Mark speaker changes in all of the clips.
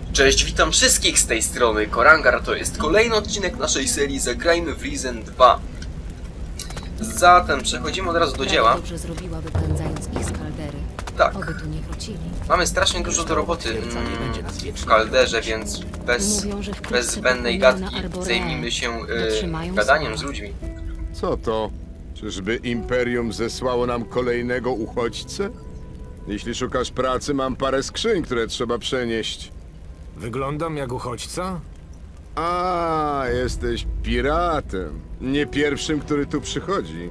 Speaker 1: Cześć, witam wszystkich z tej strony Korangar, to jest kolejny odcinek naszej serii Zagrajmy w Risen 2. Zatem przechodzimy od razu do dzieła.
Speaker 2: Dobrze zrobiłaby pędzając ich z kaldery.
Speaker 1: Tak,
Speaker 2: Oby tu nie wrócili.
Speaker 1: mamy strasznie dużo do roboty w kalderze, więc bez
Speaker 2: Mówią, że wkrótce
Speaker 1: zbędnej
Speaker 2: popłynie
Speaker 1: gadki
Speaker 2: na Arboreę.
Speaker 1: zajmijmy się
Speaker 2: Dotrzymają
Speaker 1: gadaniem
Speaker 2: słowa.
Speaker 1: z ludźmi.
Speaker 3: Co to? Czyżby Imperium zesłało nam kolejnego uchodźcę? Jeśli szukasz pracy, mam parę skrzyń, które trzeba przenieść.
Speaker 4: Wyglądam jak uchodźca?
Speaker 3: A, jesteś piratem. Nie pierwszym, który tu przychodzi.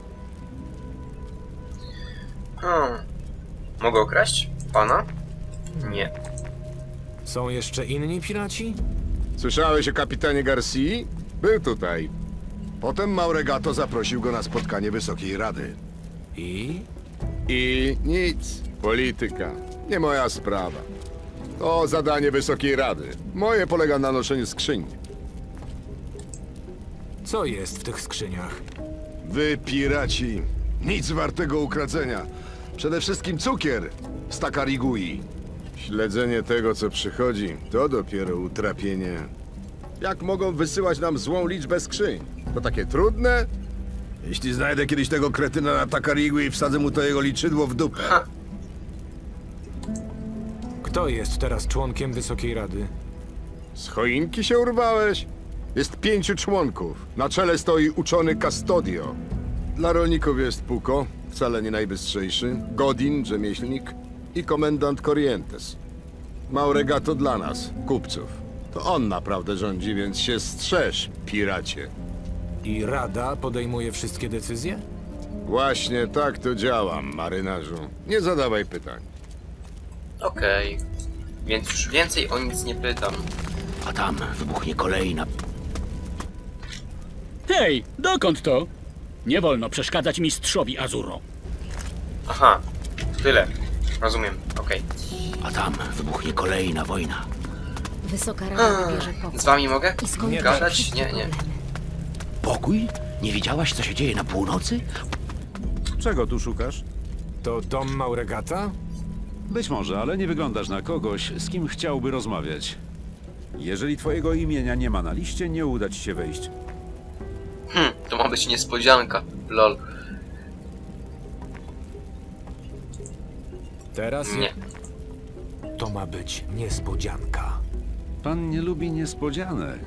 Speaker 1: Mogę okraść pana? Nie.
Speaker 4: Są jeszcze inni piraci?
Speaker 3: Słyszałeś o kapitanie Garcii? Był tutaj. Potem Mauregato zaprosił go na spotkanie Wysokiej Rady.
Speaker 4: I?
Speaker 3: I nic. Polityka. Nie moja sprawa. To zadanie Wysokiej Rady. Moje polega na noszeniu skrzyń.
Speaker 4: Co jest w tych skrzyniach?
Speaker 3: Wy, piraci, nic wartego ukradzenia. Przede wszystkim cukier z Takarigui. Śledzenie tego, co przychodzi, to dopiero utrapienie. Jak mogą wysyłać nam złą liczbę skrzyń? To takie trudne? Jeśli znajdę kiedyś tego kretyna na Takarigui i wsadzę mu to jego liczydło w dupę.
Speaker 4: Kto jest teraz członkiem Wysokiej Rady?
Speaker 3: Z choinki się urwałeś? Jest 5 członków. Na czele stoi uczony Custodio. Dla rolników jest Puko, wcale nie najbystrzejszy, Godin, rzemieślnik i komendant Corrientes. Mauregato dla nas, kupców. To on naprawdę rządzi, więc się strzeż, piracie.
Speaker 4: I Rada podejmuje wszystkie decyzje?
Speaker 3: Właśnie tak to działa, marynarzu. Nie zadawaj pytań.
Speaker 1: Okej. Więc już więcej o nic nie pytam.
Speaker 5: A tam wybuchnie kolejna.
Speaker 6: Hej, dokąd to? Nie wolno przeszkadzać mistrzowi Azuro.
Speaker 1: Aha, tyle. Rozumiem, okej.
Speaker 5: A tam wybuchnie kolejna wojna.
Speaker 2: Wysoka Rada wybierze pokój.
Speaker 1: Z wami mogę
Speaker 2: I skończy
Speaker 1: gadać?
Speaker 2: wszystkie
Speaker 1: Nie, nie.
Speaker 2: problemy.
Speaker 5: Pokój? Nie widziałaś, co się dzieje na północy?
Speaker 7: Czego tu szukasz?
Speaker 4: To dom Mauregata?
Speaker 7: Być może, ale nie wyglądasz na kogoś, z kim chciałby rozmawiać. Jeżeli twojego imienia nie ma na liście, nie uda ci się wejść.
Speaker 1: To ma być niespodzianka. Lol.
Speaker 4: Teraz
Speaker 1: Nie.
Speaker 4: to ma być niespodzianka.
Speaker 7: Pan nie lubi niespodzianek.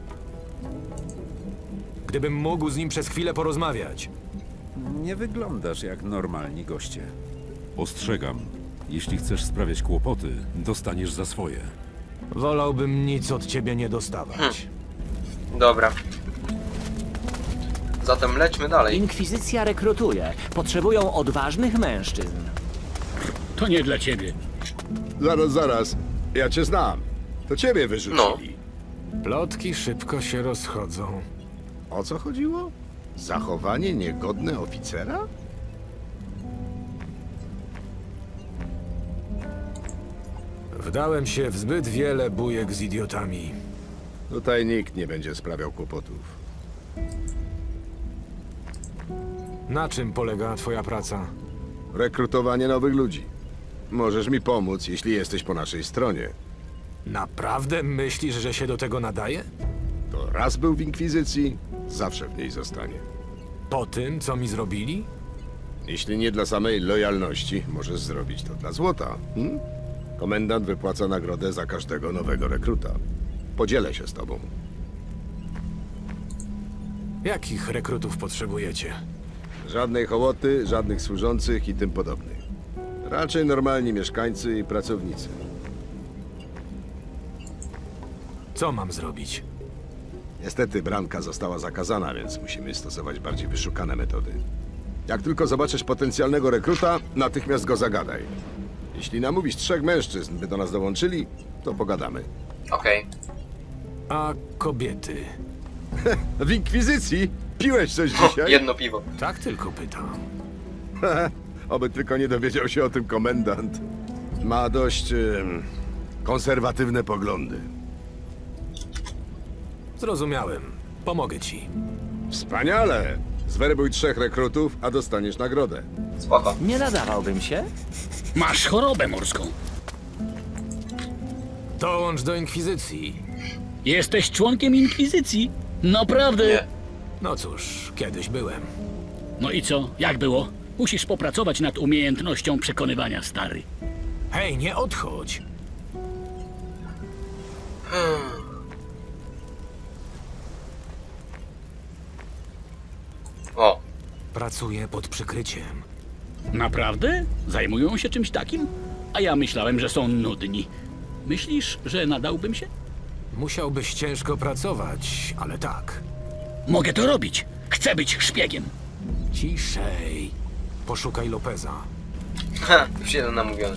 Speaker 4: Gdybym mógł z nim przez chwilę porozmawiać.
Speaker 7: Nie wyglądasz jak normalni goście. Ostrzegam. Jeśli chcesz sprawiać kłopoty, dostaniesz za swoje.
Speaker 4: Wolałbym nic od ciebie nie dostawać.
Speaker 1: Dobra. Zatem lećmy dalej.
Speaker 8: Inkwizycja rekrutuje. Potrzebują odważnych mężczyzn.
Speaker 6: To nie dla ciebie.
Speaker 3: Zaraz. Ja cię znam. To ciebie wyrzucili.
Speaker 4: Plotki szybko się rozchodzą.
Speaker 3: O co chodziło? Zachowanie niegodne oficera?
Speaker 4: Wdałem się w zbyt wiele bujek z idiotami.
Speaker 3: Tutaj nikt nie będzie sprawiał kłopotów.
Speaker 4: Na czym polega twoja praca?
Speaker 3: Rekrutowanie nowych ludzi. Możesz mi pomóc, jeśli jesteś po naszej stronie.
Speaker 4: Naprawdę myślisz, że się do tego nadaje?
Speaker 3: To raz był w Inkwizycji, zawsze w niej zostanie.
Speaker 4: Po tym, co mi zrobili?
Speaker 3: Jeśli nie dla samej lojalności, możesz zrobić to dla złota. Komendant wypłaca nagrodę za każdego nowego rekruta. Podzielę się z tobą.
Speaker 4: Jakich rekrutów potrzebujecie?
Speaker 3: Żadnej hołoty, żadnych służących i tym podobnych. Raczej normalni mieszkańcy i pracownicy.
Speaker 4: Co mam zrobić?
Speaker 3: Niestety branka została zakazana, więc musimy stosować bardziej wyszukane metody. Jak tylko zobaczysz potencjalnego rekruta, natychmiast go zagadaj. Jeśli namówisz 3 mężczyzn, by do nas dołączyli, to pogadamy.
Speaker 1: Okej.
Speaker 4: A kobiety?
Speaker 3: W Inkwizycji? Piłeś coś
Speaker 1: O,
Speaker 3: dzisiaj?
Speaker 1: jedno piwo.
Speaker 4: Tak tylko pytam.
Speaker 3: Oby tylko nie dowiedział się o tym komendant. Ma dość konserwatywne poglądy.
Speaker 4: Zrozumiałem. Pomogę ci.
Speaker 3: Wspaniale! Zwerbuj 3 rekrutów, a dostaniesz nagrodę.
Speaker 1: Spoko.
Speaker 8: Nie nadawałbym się?
Speaker 6: Masz chorobę morską.
Speaker 4: Dołącz do Inkwizycji.
Speaker 6: Jesteś członkiem Inkwizycji? Naprawdę?
Speaker 1: Nie.
Speaker 4: No cóż, kiedyś byłem.
Speaker 6: No i co? Jak było? Musisz popracować nad umiejętnością przekonywania, stary.
Speaker 4: Hej, nie odchodź.
Speaker 1: O,
Speaker 4: Pracuję pod przykryciem.
Speaker 6: Naprawdę? Zajmują się czymś takim? A ja myślałem, że są nudni. Myślisz, że nadałbym się?
Speaker 4: Musiałbyś ciężko pracować, ale tak.
Speaker 6: Mogę to robić. Chcę być szpiegiem.
Speaker 4: Ciszej. Poszukaj Lopeza.
Speaker 1: ha, już jeden namówiony.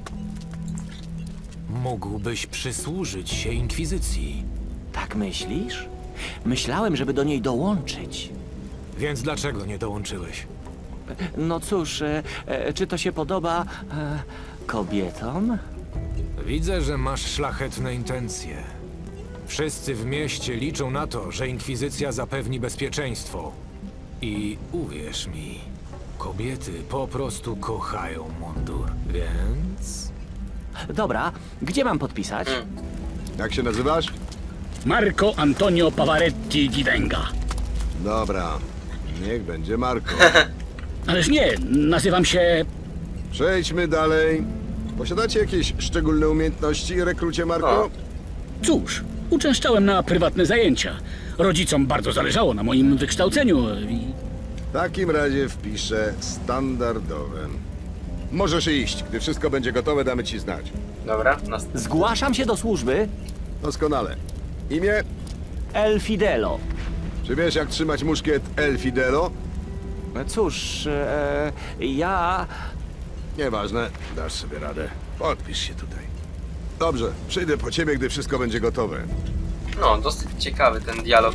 Speaker 4: Mógłbyś przysłużyć się Inkwizycji.
Speaker 8: Tak myślisz? Myślałem, żeby do niej dołączyć.
Speaker 4: Więc dlaczego nie dołączyłeś?
Speaker 8: No cóż, czy to się podoba kobietom?
Speaker 4: Widzę, że masz szlachetne intencje. Wszyscy w mieście liczą na to, że Inkwizycja zapewni bezpieczeństwo. I uwierz mi, kobiety po prostu kochają mundur, więc...
Speaker 8: Dobra, gdzie mam podpisać?
Speaker 3: Jak się nazywasz?
Speaker 6: Marco Antonio Pavaretti Givenga.
Speaker 3: Dobra, niech będzie Marko.
Speaker 6: Ależ nie, nazywam się...
Speaker 3: Przejdźmy dalej. Posiadacie jakieś szczególne umiejętności, rekrucie Marko?
Speaker 1: O.
Speaker 6: Cóż, uczęszczałem na prywatne zajęcia. Rodzicom bardzo zależało na moim wykształceniu i...
Speaker 3: W takim razie wpiszę standardowe. Możesz iść. Gdy wszystko będzie gotowe, damy ci znać.
Speaker 1: Dobra,
Speaker 8: Zgłaszam się do służby.
Speaker 3: Doskonale. Imię?
Speaker 8: El Fidelo.
Speaker 3: Czy wiesz, jak trzymać muszkiet El Fidelo?
Speaker 8: Cóż, ja...
Speaker 3: Nieważne, dasz sobie radę. Podpisz się tutaj. Dobrze, przyjdę po ciebie, gdy wszystko będzie gotowe.
Speaker 1: no, dosyć ciekawy ten dialog.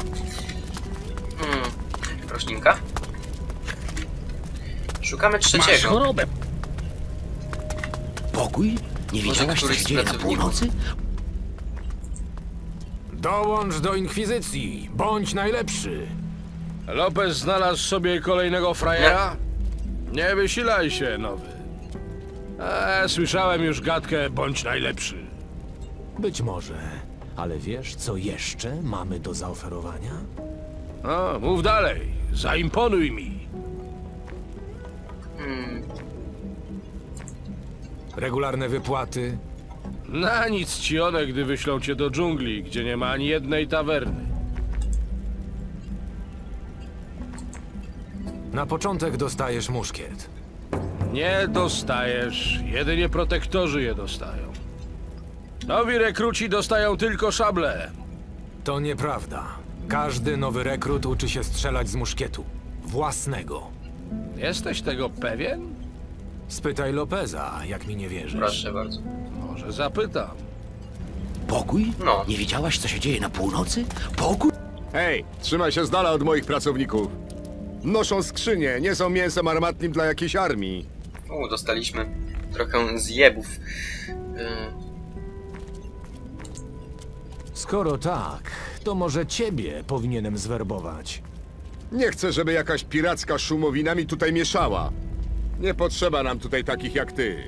Speaker 1: Roślinka? Szukamy
Speaker 6: Masz
Speaker 1: trzeciego.
Speaker 6: chorobę.
Speaker 5: Pokój? Nie wiedziałaś, co
Speaker 1: któryś
Speaker 5: się
Speaker 1: z
Speaker 5: dzieje na
Speaker 1: pracowników?
Speaker 5: północy?
Speaker 4: Dołącz do Inkwizycji, bądź najlepszy.
Speaker 9: Lopez znalazł sobie kolejnego frajera? Nie wysilaj się, nowy. Słyszałem już gadkę, bądź najlepszy.
Speaker 4: Być może, ale wiesz, co jeszcze mamy do zaoferowania?
Speaker 9: No, mów dalej, zaimponuj mi.
Speaker 4: Regularne wypłaty,
Speaker 9: Na nic ci one, gdy wyślą cię do dżungli, gdzie nie ma ani jednej tawerny.
Speaker 4: na początek dostajesz muszkiet.
Speaker 9: Nie dostajesz, jedynie protektorzy je dostają. Nowi rekruci dostają tylko szable.
Speaker 4: To nieprawda. Każdy nowy rekrut uczy się strzelać z muszkietu. Własnego.
Speaker 9: Jesteś tego pewien?
Speaker 4: Spytaj Lopeza, jak mi nie wierzysz.
Speaker 1: Proszę bardzo.
Speaker 9: Może zapytam.
Speaker 5: Pokój?
Speaker 1: No.
Speaker 5: Nie wiedziałaś, co się dzieje na północy? Pokój?
Speaker 3: Hej, trzymaj się z dala od moich pracowników. Noszą skrzynie, nie są mięsem armatnim dla jakiejś armii.
Speaker 1: Dostaliśmy trochę zjebów.
Speaker 4: Skoro tak, to może ciebie powinienem zwerbować.
Speaker 3: Nie chcę, żeby jakaś piracka szumowina mi tutaj mieszała. Nie potrzeba nam tutaj takich jak ty.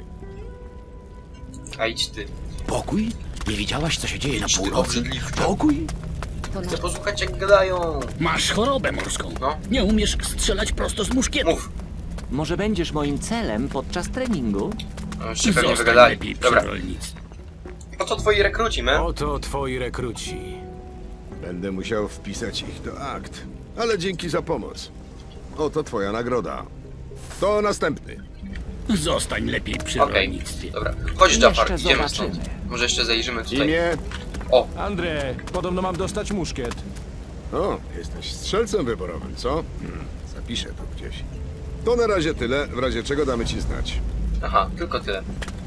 Speaker 1: A idź ty.
Speaker 5: Pokój? Nie wiedziałaś, co się dzieje na
Speaker 1: Idź ty,
Speaker 5: północy?
Speaker 1: obrzydliwcze.
Speaker 5: Pokój?
Speaker 2: To
Speaker 1: Chcę
Speaker 2: na...
Speaker 1: posłuchać, jak gadają.
Speaker 6: Masz chorobę morską.
Speaker 1: No.
Speaker 6: Nie umiesz strzelać prosto z muszkietu.
Speaker 1: Mów.
Speaker 8: Może będziesz moim celem podczas treningu?
Speaker 1: No, już się pewnie
Speaker 6: Zostań
Speaker 1: wygadali.
Speaker 6: lepiej przy
Speaker 1: Dobra.
Speaker 6: rolnictwie.
Speaker 1: Po co twoi rekruci, me?
Speaker 4: Oto twoi rekruci.
Speaker 3: Będę musiał wpisać ich do akt. Ale dzięki za pomoc. Oto twoja nagroda. To następny.
Speaker 6: Zostań lepiej przy
Speaker 1: Okej,
Speaker 6: rolnictwie.
Speaker 1: dobra. Chodź, Jafar,
Speaker 8: Jeszcze
Speaker 1: idziemy stąd.
Speaker 8: zobaczymy.
Speaker 1: Może jeszcze zajrzymy tutaj.
Speaker 3: Imię?
Speaker 1: O,
Speaker 9: Andrzej, podobno mam dostać muszkiet.
Speaker 3: O, jesteś strzelcem wyborowym, co? Zapiszę to gdzieś. To na razie tyle, w razie czego damy ci znać.
Speaker 1: aha, tylko tyle.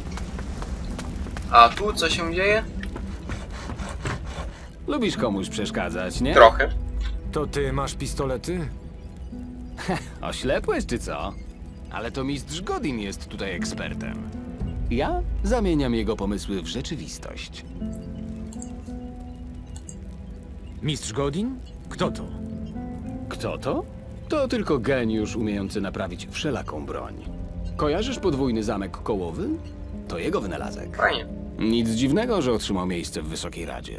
Speaker 1: A tu co się dzieje?
Speaker 10: Lubisz komuś przeszkadzać, nie?
Speaker 1: Trochę.
Speaker 4: To ty masz pistolety?
Speaker 10: Oślepłeś czy co? Ale to mistrz Godin jest tutaj ekspertem. Ja zamieniam jego pomysły w rzeczywistość.
Speaker 4: Mistrz Godin? Kto to?
Speaker 10: Kto to? To tylko geniusz umiejący naprawić wszelaką broń. Kojarzysz podwójny zamek kołowy? To jego wynalazek.
Speaker 1: Fajnie.
Speaker 10: Nic dziwnego, że otrzymał miejsce w Wysokiej Radzie.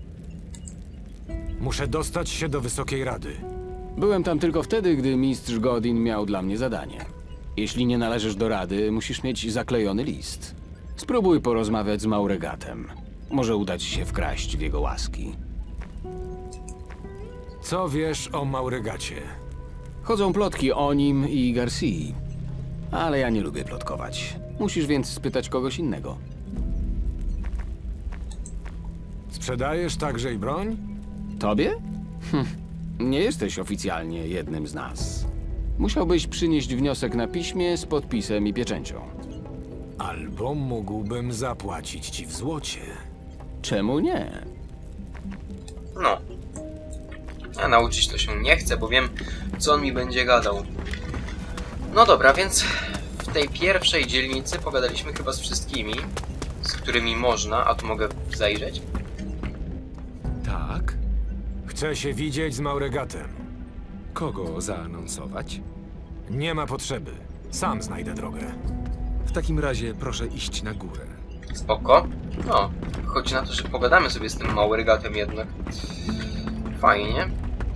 Speaker 4: Muszę dostać się do Wysokiej Rady.
Speaker 10: Byłem tam tylko wtedy, gdy mistrz Godin miał dla mnie zadanie. Jeśli nie należysz do Rady, musisz mieć zaklejony list. Spróbuj porozmawiać z Mauregatem. Może uda ci się wkraść w jego łaski.
Speaker 4: Co wiesz o Mauregacie?
Speaker 10: Chodzą plotki o nim i Garcii. Ale ja nie lubię plotkować. Musisz więc spytać kogoś innego.
Speaker 4: Sprzedajesz także i broń?
Speaker 10: Tobie? Nie jesteś oficjalnie jednym z nas. Musiałbyś przynieść wniosek na piśmie z podpisem i pieczęcią.
Speaker 4: Albo mógłbym zapłacić ci w złocie.
Speaker 10: Czemu nie?
Speaker 1: No. A nauczyć to się nie chcę, bo wiem, co on mi będzie gadał. No dobra, więc w tej pierwszej dzielnicy pogadaliśmy chyba z wszystkimi, z którymi można, a tu mogę zajrzeć.
Speaker 11: Tak?
Speaker 4: Chcę się widzieć z Mauregatem.
Speaker 11: Kogo zaanonsować?
Speaker 4: Nie ma potrzeby. Sam znajdę drogę.
Speaker 11: W takim razie proszę iść na górę.
Speaker 1: Spoko. No, chodzi na to, że pogadamy sobie z tym Mauregatem jednak. Fajnie.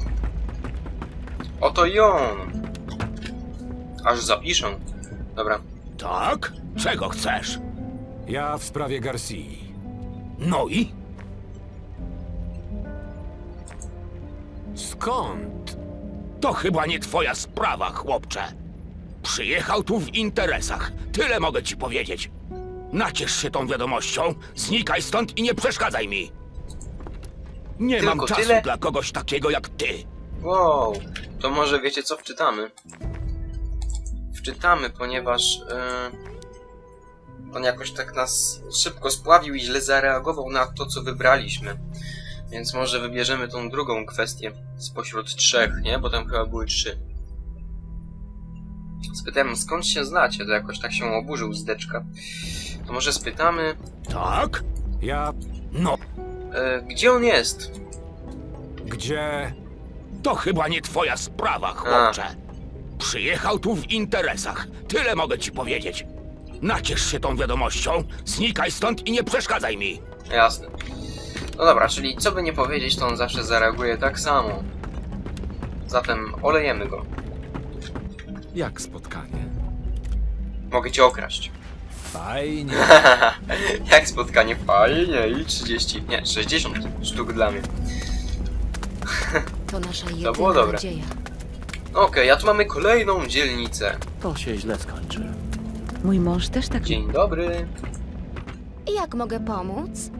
Speaker 1: Oto i on. Aż zapiszę. Dobra.
Speaker 5: Tak? Czego chcesz?
Speaker 4: Ja w sprawie Garcii.
Speaker 5: No i?
Speaker 4: Skąd?
Speaker 5: To chyba nie twoja sprawa, chłopcze. Przyjechał tu w interesach. Tyle mogę ci powiedzieć. Naciesz się tą wiadomością, znikaj stąd i nie przeszkadzaj mi. Nie
Speaker 1: Tylko
Speaker 5: mam czasu
Speaker 1: tyle?
Speaker 5: dla kogoś takiego jak ty.
Speaker 1: Wow. To może wiecie co wczytamy? Wczytamy, ponieważ on jakoś tak nas szybko spławił i źle zareagował na to, co wybraliśmy. Więc może wybierzemy tą drugą kwestię spośród trzech, nie? Bo tam chyba były 3. Spytałem, skąd się znacie? To jakoś tak się oburzył zdeczka. To może spytamy...
Speaker 5: Tak?
Speaker 4: Ja...
Speaker 5: No,
Speaker 1: gdzie on jest?
Speaker 4: Gdzie...
Speaker 5: to chyba nie twoja sprawa, chłopcze. Przyjechał tu w interesach. Tyle mogę ci powiedzieć. Naciesz się tą wiadomością, znikaj stąd i nie przeszkadzaj mi.
Speaker 1: Jasne. No dobra, czyli co by nie powiedzieć, to on zawsze zareaguje tak samo. Zatem olejemy go.
Speaker 11: Jak spotkanie?
Speaker 1: Mogę cię okraść.
Speaker 4: Fajnie.
Speaker 1: Jak spotkanie? Fajnie. I 30, nie, 60 sztuk dla mnie.
Speaker 2: To nasza
Speaker 1: było
Speaker 2: jedyna
Speaker 1: dobre.
Speaker 2: nadzieja.
Speaker 1: Okej, a tu mamy kolejną dzielnicę.
Speaker 8: To się źle skończy.
Speaker 2: Mój mąż też tak...
Speaker 1: Dzień dobry.
Speaker 2: Jak mogę pomóc?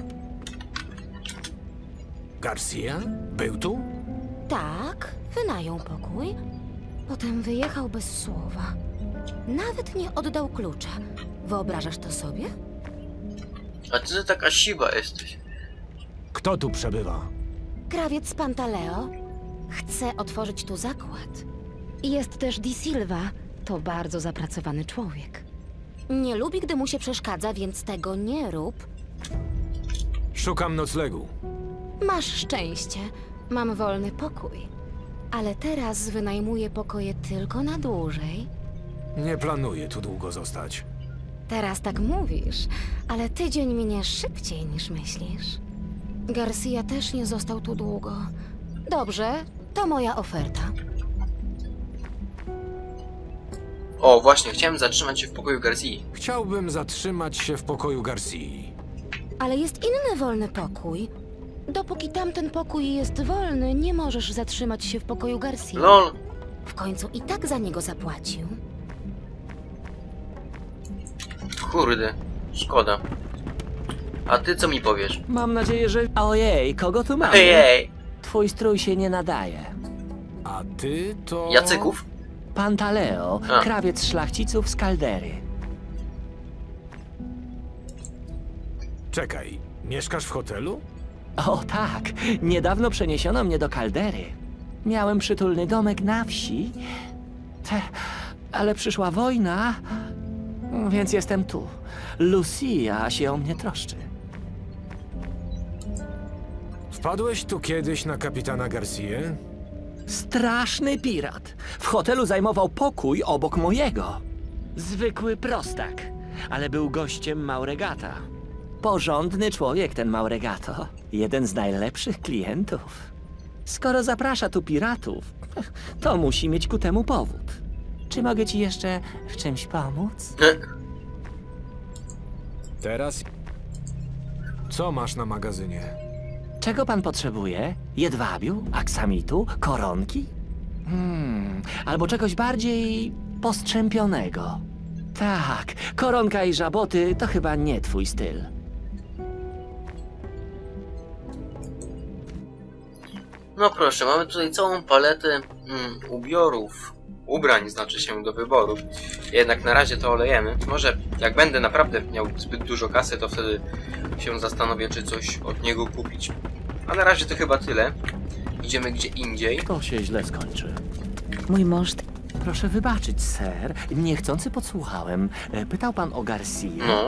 Speaker 4: Garcia? Był tu?
Speaker 2: Tak, wynajął pokój. Potem wyjechał bez słowa. Nawet nie oddał klucza. Wyobrażasz to sobie?
Speaker 1: A ty taka siwa jesteś.
Speaker 4: Kto tu przebywa?
Speaker 2: Krawiec Pantaleo chce otworzyć tu zakład. Jest też Di Silva. To bardzo zapracowany człowiek. Nie lubi, gdy mu się przeszkadza, więc tego nie rób.
Speaker 4: Szukam noclegu.
Speaker 2: Masz szczęście. Mam wolny pokój. Ale teraz wynajmuję pokoje tylko na dłużej.
Speaker 4: Nie planuję tu długo zostać.
Speaker 2: Teraz tak mówisz, ale tydzień minie szybciej niż myślisz. Garcia też nie został tu długo. Dobrze, to moja oferta.
Speaker 1: O, właśnie, chciałem zatrzymać się w pokoju Garcii.
Speaker 4: Chciałbym zatrzymać się w pokoju Garcii.
Speaker 2: Ale jest inny wolny pokój. Dopóki tamten pokój jest wolny, nie możesz zatrzymać się w pokoju Garcia.
Speaker 1: LOL.
Speaker 2: W końcu i tak za niego zapłacił.
Speaker 1: Kurde, szkoda. A ty co mi powiesz?
Speaker 8: Mam nadzieję, że... Ojej, kogo tu mamy?
Speaker 1: Ojej!
Speaker 8: Twój strój się nie nadaje.
Speaker 4: A ty to...
Speaker 1: Jacyków?
Speaker 8: Pantaleo,
Speaker 1: A.
Speaker 8: krawiec szlachciców z Kaldery.
Speaker 4: Czekaj, mieszkasz w hotelu?
Speaker 8: O tak, niedawno przeniesiono mnie do Kaldery. Miałem przytulny domek na wsi, ale przyszła wojna, więc jestem tu. Lucia się o mnie troszczy.
Speaker 4: Wpadłeś tu kiedyś na kapitana Garcię?
Speaker 8: Straszny pirat. W hotelu zajmował pokój obok mojego. Zwykły prostak, ale był gościem Mauregata. Porządny człowiek ten Mauregato. Jeden z najlepszych klientów. Skoro zaprasza tu piratów, to musi mieć ku temu powód. Czy mogę ci jeszcze w czymś pomóc?
Speaker 4: Teraz... Co masz na magazynie?
Speaker 8: Czego pan potrzebuje? Jedwabiu? Aksamitu? Koronki? Albo czegoś bardziej postrzępionego. Tak, koronka i żaboty to chyba nie twój styl.
Speaker 1: No proszę, mamy tutaj całą paletę ubrań znaczy się do wyboru. Jednak na razie to olejemy. Może jak będę naprawdę miał zbyt dużo kasy, to wtedy się zastanowię, czy coś od niego kupić. A na razie to chyba tyle. Idziemy gdzie indziej.
Speaker 8: To się źle skończy. Mój mąż... Proszę wybaczyć, ser. Niechcący podsłuchałem. Pytał pan o Garcia.
Speaker 1: No.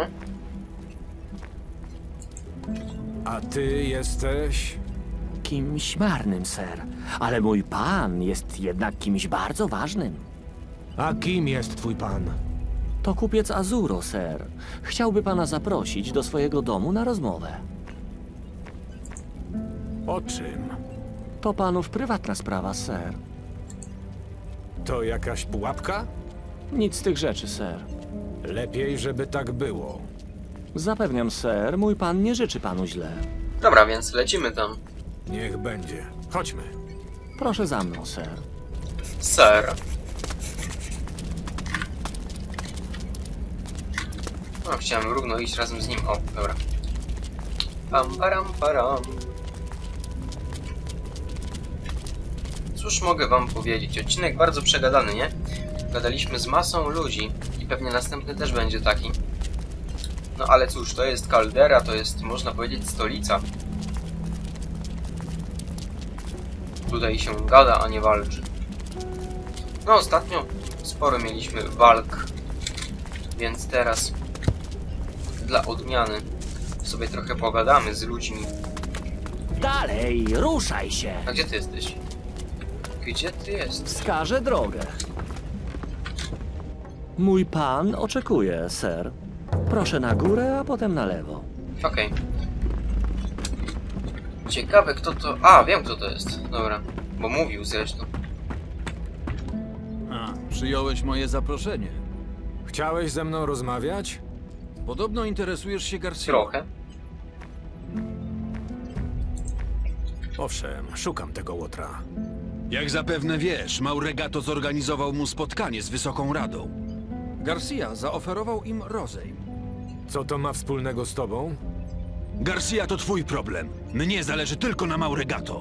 Speaker 4: A ty jesteś...
Speaker 8: Kimś marnym, ser. Ale mój pan jest jednak kimś bardzo ważnym.
Speaker 4: A kim jest twój pan?
Speaker 8: To kupiec Azuro, ser. Chciałby pana zaprosić do swojego domu na rozmowę.
Speaker 4: O czym?
Speaker 8: To panów prywatna sprawa, ser.
Speaker 4: To jakaś pułapka?
Speaker 8: Nic z tych rzeczy, ser.
Speaker 4: Lepiej, żeby tak było.
Speaker 8: Zapewniam, ser, mój pan nie życzy panu źle.
Speaker 1: Dobra, więc lecimy tam.
Speaker 4: Niech będzie. Chodźmy.
Speaker 8: Proszę za mną, ser.
Speaker 1: Ser. No, chciałem równo iść razem z nim. O, dobra. Pam, param, param. Cóż mogę wam powiedzieć? Odcinek bardzo przegadany, nie? Gadaliśmy z masą ludzi i pewnie następny też będzie taki. No ale cóż, to jest Caldera, to jest, można powiedzieć, stolica. Tutaj się gada, a nie walczy. No ostatnio sporo mieliśmy walk, więc teraz dla odmiany sobie trochę pogadamy z ludźmi.
Speaker 8: Dalej, ruszaj się!
Speaker 1: A gdzie ty jesteś? Gdzie ty jesteś?
Speaker 8: Wskażę drogę. Mój pan oczekuje, ser. Proszę na górę, a potem na lewo.
Speaker 1: Okej. Ciekawe kto to... A, wiem kto to jest. Dobra, bo mówił zresztą.
Speaker 12: Przyjąłeś moje zaproszenie.
Speaker 4: Chciałeś ze mną rozmawiać?
Speaker 12: Podobno interesujesz się Garcia.
Speaker 1: Trochę.
Speaker 4: Owszem, szukam tego łotra.
Speaker 12: Jak zapewne wiesz, Mauregato zorganizował mu spotkanie z Wysoką Radą. Garcia zaoferował im rozejm.
Speaker 4: Co to ma wspólnego z tobą?
Speaker 12: Garcia to twój problem. Mnie zależy tylko na Mauregato.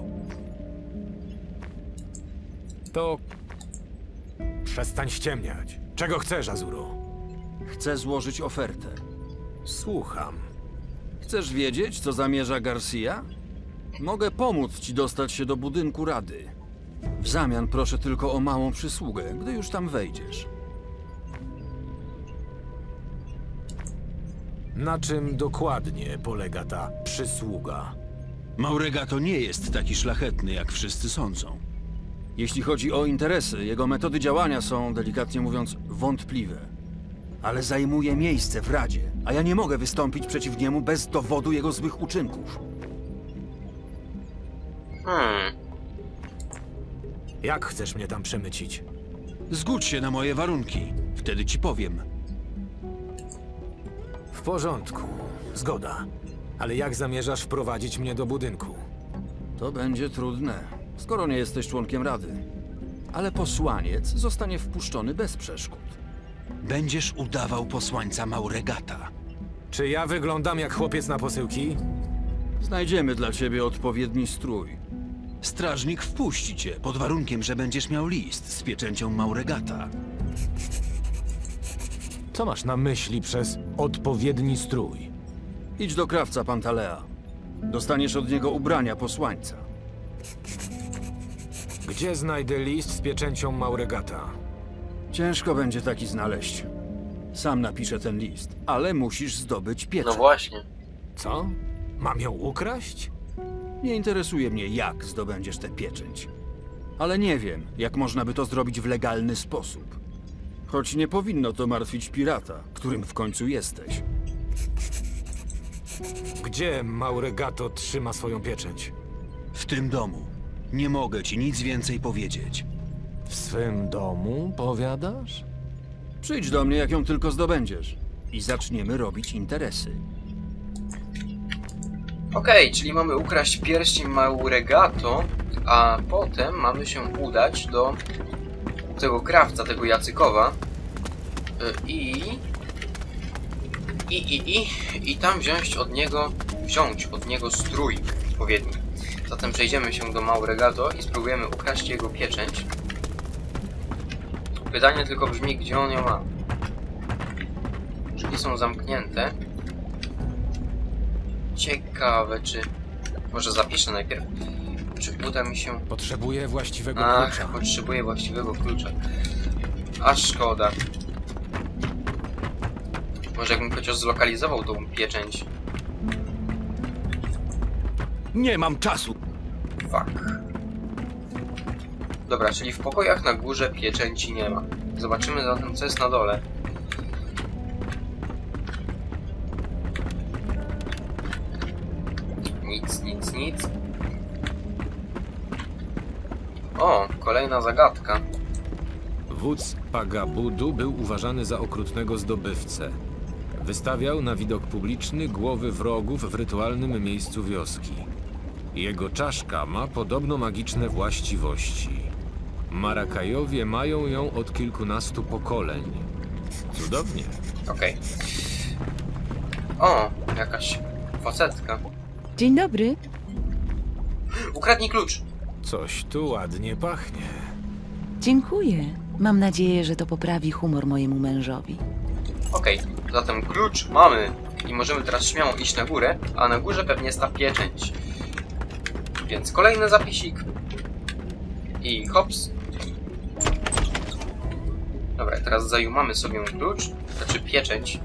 Speaker 4: To... Przestań ściemniać. Czego chcesz, Azuro?
Speaker 12: Chcę złożyć ofertę.
Speaker 4: Słucham.
Speaker 12: Chcesz wiedzieć, co zamierza Garcia? Mogę pomóc ci dostać się do budynku Rady. W zamian proszę tylko o małą przysługę, gdy już tam wejdziesz.
Speaker 4: Na czym dokładnie polega ta przysługa?
Speaker 12: Mauregato nie jest taki szlachetny, jak wszyscy sądzą. Jeśli chodzi o interesy, jego metody działania są, delikatnie mówiąc, wątpliwe. Ale zajmuje miejsce w Radzie, a ja nie mogę wystąpić przeciw niemu bez dowodu jego złych uczynków.
Speaker 4: Jak chcesz mnie tam przemycić?
Speaker 12: Zgódź się na moje warunki, wtedy ci powiem.
Speaker 4: W porządku. Zgoda. Ale jak zamierzasz wprowadzić mnie do budynku?
Speaker 12: To będzie trudne, skoro nie jesteś członkiem Rady. Ale posłaniec zostanie wpuszczony bez przeszkód. Będziesz udawał posłańca Mauregata.
Speaker 4: Czy ja wyglądam jak chłopiec na posyłki?
Speaker 12: Znajdziemy dla ciebie odpowiedni strój. Strażnik wpuści cię, pod warunkiem, że będziesz miał list z pieczęcią Mauregata.
Speaker 4: Co masz na myśli przez odpowiedni strój?
Speaker 12: Idź do krawca Pantalea. Dostaniesz od niego ubrania posłańca.
Speaker 4: Gdzie znajdę list z pieczęcią Mauregata?
Speaker 12: Ciężko będzie taki znaleźć. Sam napiszę ten list, ale musisz zdobyć pieczęć.
Speaker 1: No właśnie.
Speaker 4: Co? Mam ją ukraść?
Speaker 12: Nie interesuje mnie, jak zdobędziesz tę pieczęć. Ale nie wiem, jak można by to zrobić w legalny sposób. Choć nie powinno to martwić pirata, którym w końcu jesteś.
Speaker 4: Gdzie Mauregato trzyma swoją pieczęć?
Speaker 12: W tym domu. Nie mogę ci nic więcej powiedzieć.
Speaker 4: W swym domu, powiadasz?
Speaker 12: Przyjdź do mnie, jak ją tylko zdobędziesz. I zaczniemy robić interesy.
Speaker 1: Okej, czyli mamy ukraść pierścień Mauregato, a potem mamy się udać do tego krawca, tego Jacykowa i tam wziąć od niego strój odpowiedni. Zatem przejdziemy się do Mauregato i spróbujemy ukraść jego pieczęć. Pytanie tylko brzmi, gdzie on ją ma. Drzwi są zamknięte. Ciekawe, czy... Może zapiszę najpierw. Czy uda mi się...
Speaker 4: Potrzebuję właściwego klucza.
Speaker 1: Potrzebuję właściwego klucza. A szkoda. Może jakbym chociaż zlokalizował tą pieczęć.
Speaker 5: Nie mam czasu.
Speaker 1: Fuck. Dobra, czyli w pokojach na górze pieczęci nie ma. Zobaczymy zatem, co jest na dole. Nic. O, kolejna zagadka.
Speaker 4: Wódz Pagabudu był uważany za okrutnego zdobywcę. Wystawiał na widok publiczny głowy wrogów w rytualnym miejscu wioski. Jego czaszka ma podobno magiczne właściwości. Marakajowie mają ją od kilkunastu pokoleń. Cudownie.
Speaker 1: Okej. O, jakaś facetka.
Speaker 13: Dzień dobry.
Speaker 1: Ukradnij klucz.
Speaker 4: Coś tu ładnie pachnie.
Speaker 13: Dziękuję. Mam nadzieję, że to poprawi humor mojemu mężowi.
Speaker 1: Okej, zatem klucz mamy i możemy teraz śmiało iść na górę, a na górze pewnie jest ta pieczęć. Więc kolejny zapisik. I hops. Dobra, teraz zajumamy sobie klucz, znaczy pieczęć.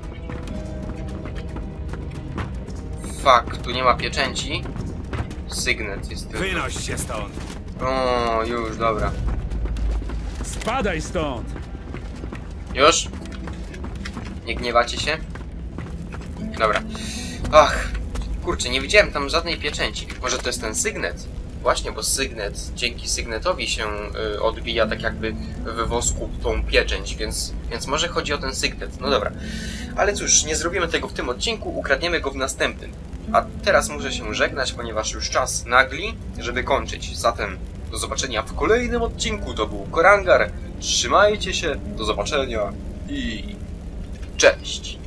Speaker 1: Fuck, tu nie ma pieczęci. Sygnet jest tylko.
Speaker 5: Wynoś się stąd.
Speaker 1: O, już, dobra.
Speaker 6: Spadaj stąd!
Speaker 1: Już? Nie gniewacie się? Dobra. Ach, kurczę, nie widziałem tam żadnej pieczęci. Może to jest ten sygnet? Właśnie, bo sygnet, dzięki sygnetowi się odbija tak jakby we wosku tą pieczęć, więc może chodzi o ten sygnet. No dobra. Ale cóż, nie zrobimy tego w tym odcinku, ukradniemy go w następnym. A teraz muszę się żegnać, ponieważ już czas nagli, żeby kończyć. Zatem do zobaczenia w kolejnym odcinku. To był Korangar. Trzymajcie się, do zobaczenia i cześć!